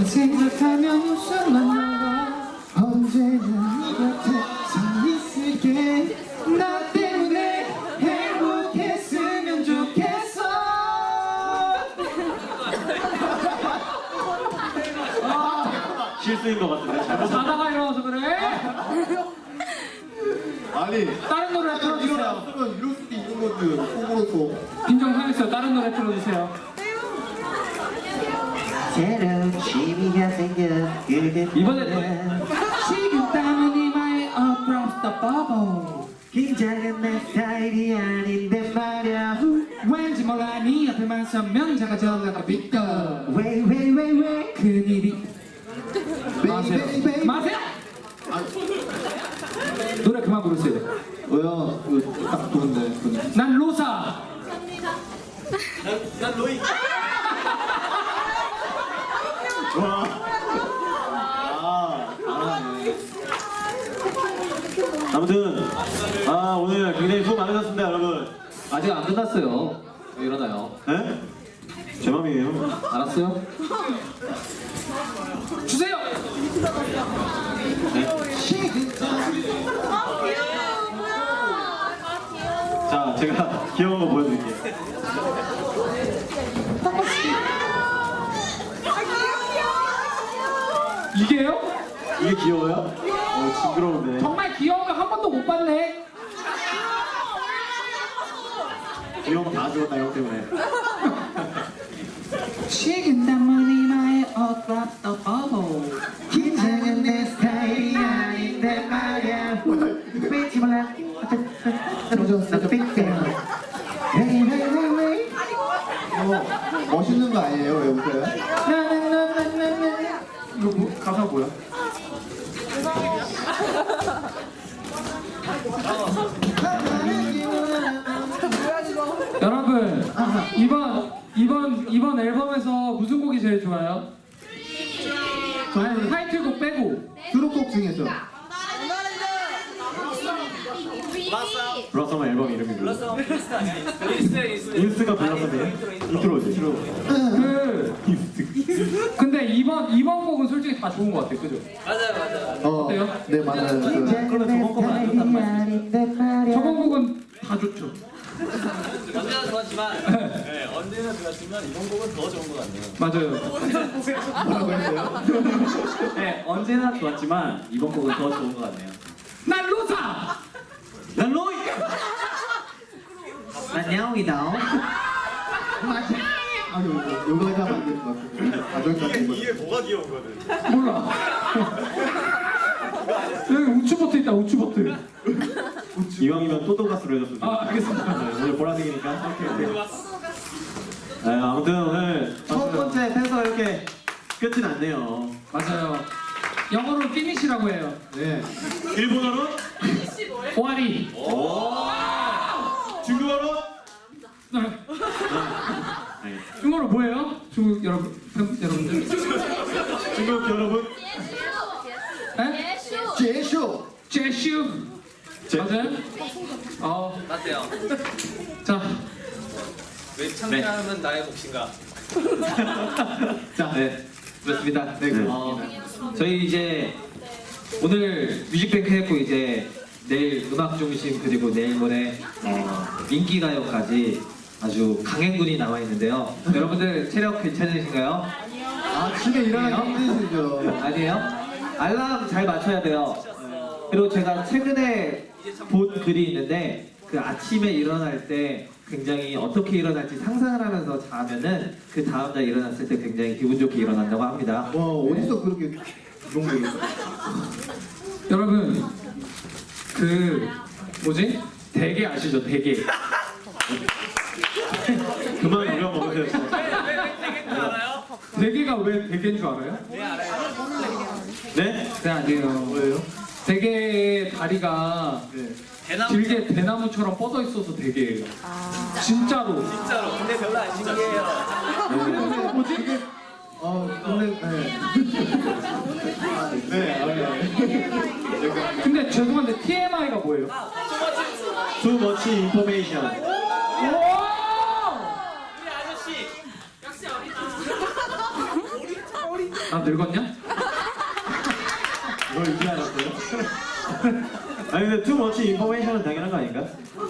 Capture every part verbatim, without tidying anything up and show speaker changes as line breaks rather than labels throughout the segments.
생각하면 웃음만 나와. 언제나 네 곁에 서 있을게. 나 때문에 행복했으면 좋겠어.
실수인 것 같은데. 잘못
자다가 일어나서 그래?
아니
다른 노래 틀어주세요.
일어났으면 이럴 수도 있는 건데 속으로 또
인정하겠어요. 다른 노래 틀어주세요.
새로운 취미가 생겨 그게
이번에는 식은땀은 이마에 across the bubble.
긴장은 내 스타일이 아닌데 말야.
왠지 몰라 네 옆에만 서면 작아져가 비껴.
Wait wait wait wait.
큰일이. 마세요.
베이베이
마세요.
아
노래 그만 부르세요.
뭐야 이거 딱 좋은데.
난 로사.
난 로이.
와. 아 잘하네.
아무튼 아 오늘 굉장히 수고 많으셨습니다, 여러분.
아직 안 끝났어요. 왜 이러나요?
네? 제 맘이에요.
알았어요? 주세요.
자, 제가 귀여운 거 보여드릴게요.
이게요?
이게 귀여워요? 어, 징그러운데.
정말 귀여운 거 한 번도 못 봤네.
귀여운 거 다 죽었다, 형 때문에.
식은땀은 이마에 across the bubble.
긴장은 내 스타일이 아닌데 말야. 왠지 몰라 나도 삐끗. Wait wait wait wait.
어, 멋있는 거 아니에요? 왜 웃어요?
나나나나나나. 이거 뭐, 가사 뭐야? 여러분 이번 이번 이번 앨범에서 무슨 곡이 제일 좋아요? 아니, 타이틀곡 빼고.
수록곡 중에서
블러썸 앨범 이름이 뭐예요? 인스가 블러썸이에요? 인트로지. 인트로.
그 근데 이번 이번 곡은 솔직히 다 좋은 것 같아요, 그죠?
어,
어때요?
네 맞아요. 그,
그러면 저번 거만 안 좋다는 말씀.
저번 곡은 다 좋죠.
언제나 좋았지만 네, 언제나 좋았지만 이번 곡은 더 좋은 것 같네요.
맞아요.
뭐라고 했어요?
네, 언제나 좋았지만 이번 곡은 더 좋은 것 같네요.
난 로사.
난 로이!
난 야옹이다.
아니 이거 이거 하자 만드는 것 같은데. 가족 같은 거.
이게 뭐가 귀여운 거든?
몰라. 여기 우측버트 있다, 우측버트.
이왕이면 또또가스로 해줬으면
아, 알겠습니다.
네, 오늘 보라색이니까. 오케이, 오케이. 네, 아무튼 오늘 첫 번째 팬서 이렇게 끝이 났네요.
맞아요. 영어로 피니시라고 해요.
네.
일본어로?
오아리.
중국어로?
네.
네.
중국어로 뭐예요? 중국 여러분, 팬, 여러분들.
중국 여러분?
네?
제쇼.
제슈.
제-
맞아요? 어,
맞대요.
자,
왜 창피함은 나의 몫인가?
자, 네.
그렇습니다.
네,
어, 저희 이제 오늘 뮤직뱅크 했고 이제 내일 음악 중심 그리고 내일 모레 어, 인기가요까지 아주 강행군이 나와 있는데요. 여러분들 체력 괜찮으신가요?
아침에 일어나기 힘드시죠?
아니에요? 알람 잘 맞춰야 돼요. 그리고 제가 최근에 본 글이 있는데 그 아침에 일어날 때 굉장히 어떻게 일어날지 상상을 하면서 자면은 그 다음날 일어났을 때 굉장히 기분 좋게 일어난다고 합니다.
와 어디서 그렇게 그런 거 있어?
여러분, 그, 뭐지? 대게 아시죠? 대게.
그만 우려 먹으세요.
알아요?
대게가 왜 대게인 줄 알아요?
네, 알아요.
네?
네, 아니에요.
뭐예요?
대게의 다리가
네.
대나무
길게 대나무처럼 뻗어 있어서 대게예요. 진짜로.
진짜로. 근데 별로 안 신기해요.
근데 뭐지?
어 근데 네. 네, 알아요.
근데 죄송한데 티엠아이가 뭐예요?
Too much information.
오!
우리 아저씨. 역시 어리다.
나 늙었냐?
이걸 이제 알았어요? 아니 근데 too much information은 당연한 거 아닌가?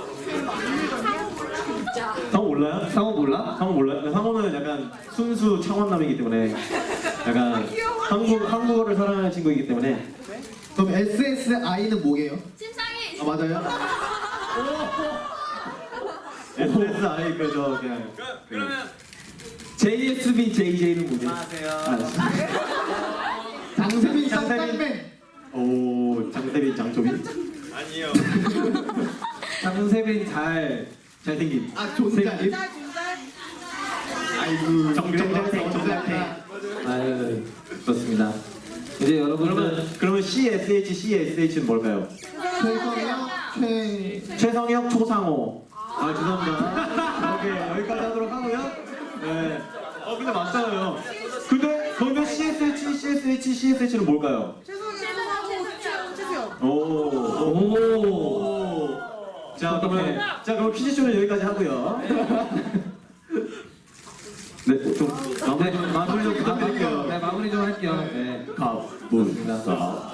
상호 몰라요?
상호 몰라?
상호 몰라요? 상호는 약간 순수 창원남이기 때문에 약간 한국, 한국어를 사랑하는 친구이기 때문에
그럼 에스에스아이는 뭐게요?
심상이.
아 맞아요?
에스에스아이 그저 그냥
그러면
제이에스비 제이제이는 뭐게?
안녕하세요.
장세빈
장세빈.
쌍쌍맨.
오 장세빈 장초빈
아니요.
장세빈 잘
잘생긴
아 존잘. 아이고
정정생, 정정생.
아유 그렇습니다. 이제 여러분들
그러면 그러면 씨에스에이치 씨에스에이치는 뭘까요?
최성형 최.
최성혁 초상호 아 죄송합니다 오케이 여기까지 하도록 하고요 네. 어 근데 맞잖아요 근데 그러면 씨에스에이치 씨에스에이치 씨에스에이치는 뭘까요? 오.
오.
자 그러면 자 그럼 퀴즈쇼는 여기까지 하고요 네좀 마무리 좀 마무리 좀 부탁드릴게요
네 마무리 좀 할게요. 네.
갑분싸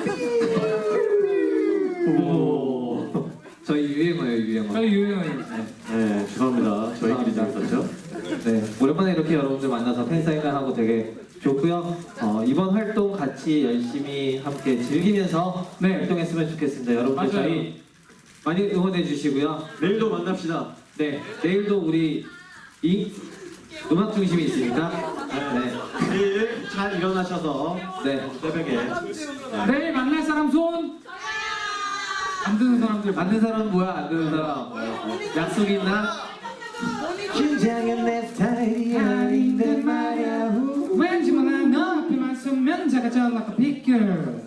오. 저희 유행어예요 유행어.
저희 유행어예요.
네 죄송합니다 저희끼리 재밌었죠?
네, 오랜만에 이렇게 여러분들 만나서 팬사인회 하고 되게 좋고요. 어, 이번 활동 같이 열심히 함께 즐기면서
네.
활동했으면 좋겠습니다. 여러분들
맞아요.
저희 많이 응원해 주시고요.
내일도 만납시다
네, 내일도 우리 이 음악 중심이 있으니까 네,
내일 잘 일어나셔서
네,
새벽에
내일 만날 사람 손. 안 드는 사람들.
만든 사람은 뭐야? 안 되는 사람 약속 있나?
긴장은 내 스타일이 아닌데 말야
왠지 몰라 너 앞에만 서면 작아져 like a big girl.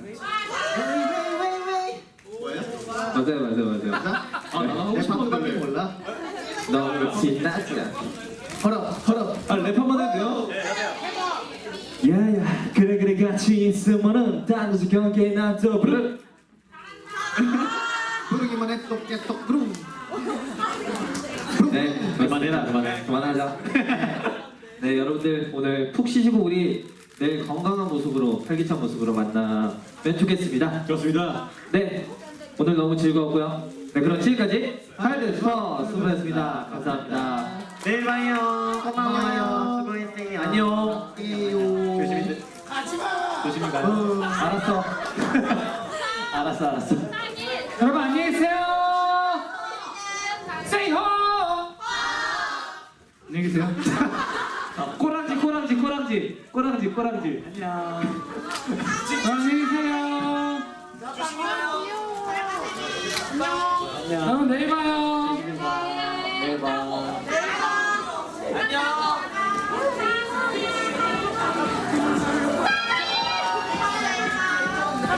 맞아요, 맞아요, 맞아요.
아, 내 방법밖에 몰라.
너무 신나지.
허럽 허럽.
아, 랩 한번 해도 돼요? 야야, 그래 그래 같이 있으면은 딴 곳에 경계 나도 부르.
부르기만 해도 깨똑 부릉.
네,
그만해라 그만해
그만하자. 네, 여러분들 오늘 푹 쉬시고 우리 내일 건강한 모습으로 활기찬 모습으로 만나면 좋겠습니다.
좋습니다
네, 오늘 너무 즐거웠고요. 네, 그럼 지금까지 하이드 슈퍼 수고했습니다. 감사합니다.
내일 봐요
고마워요.
수고했어요
안녕.
조심히 조심히 가요
알았어. 알았어, 알았어.
여러분 안녕히 계세요. Say ho. 안녕히 계세요.
꼬랑지, 꼬랑지, 꼬랑지, 꼬랑지, 꼬랑지. 안녕.
안녕히 계세요. 여러분 내일 봐요.